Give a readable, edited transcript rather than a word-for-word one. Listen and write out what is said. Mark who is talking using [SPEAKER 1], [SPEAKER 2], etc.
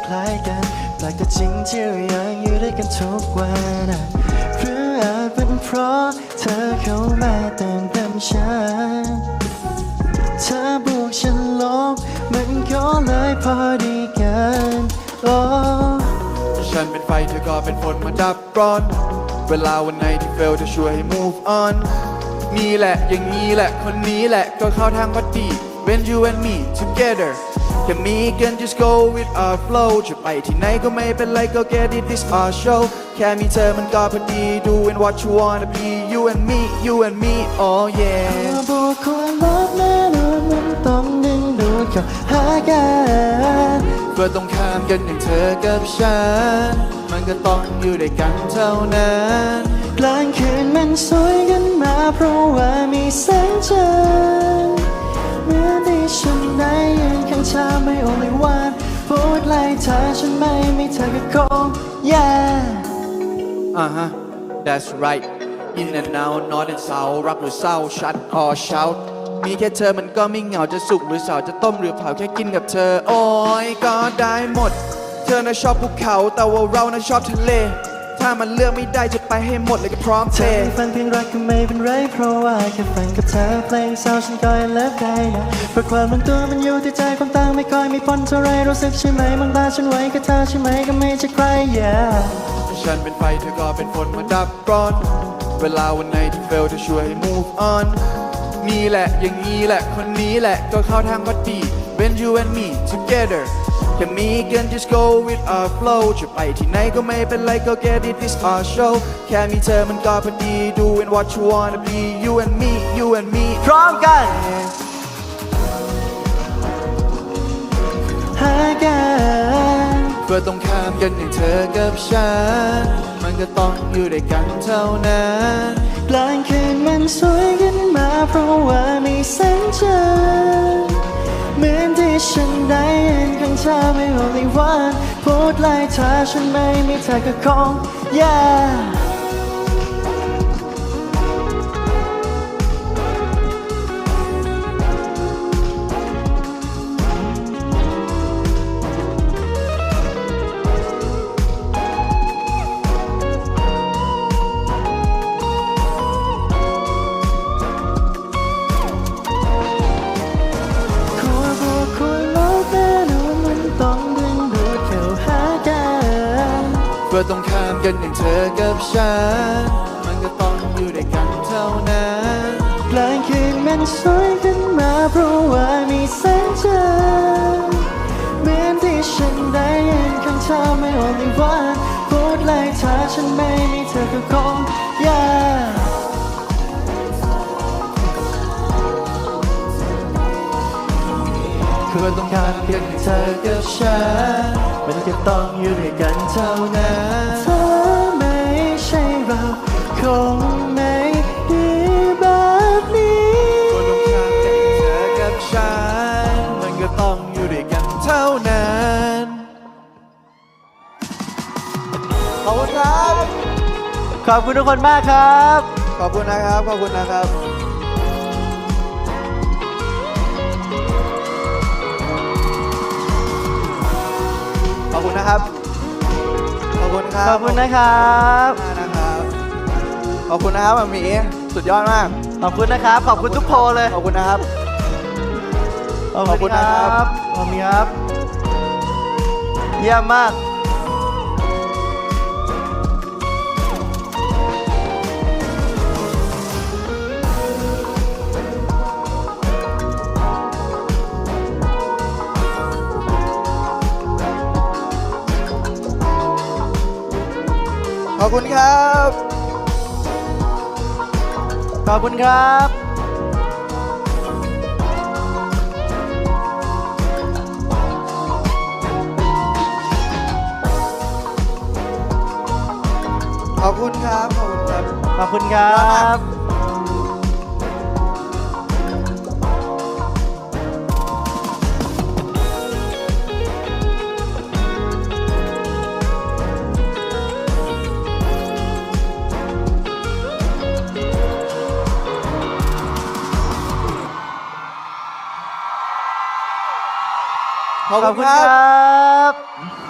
[SPEAKER 1] ล้ายกันแปลกแต่จริงที่เรายังอยู่ด้วยกันทุกวันหรืออาจเป็นเพราะเธอเข้ามาเติมเต็มฉันเธอบวกฉันลบมันก็เลยพอดีกันโอ้
[SPEAKER 2] ฉันเป็นไฟเธอก็เป็นฝนมาดับร้อนเวลาวันไหนที่ fail จะช่วยให้ move on นี่แหละอย่างนี้แหละคนนี้แหละก็เข้าทางพอดี when you and me together แค่มีกัน just go with our flow จะไปที่ไหนก็ไม่เป็นไรก็ get it this our show แค่มีเธอมันก็พอดี doing what you wanna be you and me oh yeah
[SPEAKER 1] บวกควรลบแน่นอนมันต้องดึงดูดเข้าหากัน
[SPEAKER 2] เพื่อต้องข้ามกันอย่างเธอกับฉันมันก็ต้องอยู่ด้วยกันเท่านั้น
[SPEAKER 1] กลางคืนมันสวยกันมาเพราะว่ามีแสงจันทร์เมื่อที่ฉันได้ยืนข้างเธอไม่ only one พูดไล่เธอฉันไม่มีเธอก็คง yeah
[SPEAKER 2] that's right in and out north and south รักหรือเศร้า shut or shout มีแค่เธอมันก็ไม่เหงาจะสุกหรือเศร้าจะต้มหรือเผาแค่กินกับเธอโอ้ยก็ได้หมดเธอน่ะชอบภูเขาแต่ว่าเราน่ะชอบทะเลถ้ามันเลือกไม่ได้จะไปให้หมดเลยก็พร้อมเท
[SPEAKER 1] ฟังเพลงรักก็ไม่เป็นไรเพราะว่าแค่ฟังกับเธอเพลงเศร้าฉันก็ยังเลิฟได้นะเพราะความลงตัวมันอยู่ที่ใจความต่างไม่ค่อยมีผลเท่าไรรู้สึกใช่ไหมมองตาฉันไว้กับเธอใช่ไหมก็ไม่ใช่ใคร
[SPEAKER 2] ฉันเป็นไฟเธอก็เป็นฝนมาดับร้อนเวลาวันไหนที่ fail จะช่วยให้ move on นี่แหละอย่างนี้แหละคนนี้แหละก็เข้าทางพอดี when you and me together แค่มีกัน just go with our flow จะไปที่ไหนก็ไม่เป็นไรก็ get it this our show แค่มีเธอมันก็พอดี doing what you wanna be you and me
[SPEAKER 1] พร้อมกันหากัน
[SPEAKER 2] เพื่อต้องข้ามกันอย่างเธอกับฉันมันก็ต้องอยู่ด้วยกันเท่านั้น
[SPEAKER 1] กลางคืนมันสวยขึ้นมาเพราะว่ามีแสงจันทร์เหมือนที่ฉันได้ยืนข้างเธอไม่ only one พูดไล่เธอฉันไม่มีเธอก็คง
[SPEAKER 2] เพื่อต้องข้ามกันอย่างเธอกับฉันมันก็ต้องอยู่ด้วยกันเท่านั้น
[SPEAKER 1] กลางคืนมันสวยขึ้นมาเพราะว่ามีแสงจันทร์เหมือนที่ฉันได้ยืนข้างเธอไม่ only one พูดไล่เธอฉันไม่มีเธอก็คง
[SPEAKER 2] เพื่อต้องข้ามกันอย่างเธอกับฉัน
[SPEAKER 1] มันก็ต้องอยู่ด้วยกันเท่านั้นเธอไม่ใช่เราคงไม่ดีแบบนี้
[SPEAKER 2] เพื่อต้องข้ามกันอย่างเธอกับฉันมันก็ต้องอยู่ด้วยกันเท่านั้นขอบคุณครับ
[SPEAKER 1] ขอบคุณทุกคนมากครับ
[SPEAKER 2] ขอบคุณนะครับขอบคุณนะครับขอบคุณนะครับขอบคุณครับ
[SPEAKER 1] ขอบคุณนะครับ
[SPEAKER 2] ขอบคุณนะครับหมีสุดยอดมาก
[SPEAKER 1] ขอบคุณนะครับขอบคุณทุกโพลเลย
[SPEAKER 2] ขอบคุณนะครับ
[SPEAKER 1] ขอบคุณนะครับขอบคุณครับเยี่ยมมาก
[SPEAKER 2] ขอบคุณครับ
[SPEAKER 1] ขอบคุณครับ
[SPEAKER 2] ขอบคุณครับขอบคุณครับ
[SPEAKER 1] ขอบคุณครับ
[SPEAKER 2] ขอบคุณครับ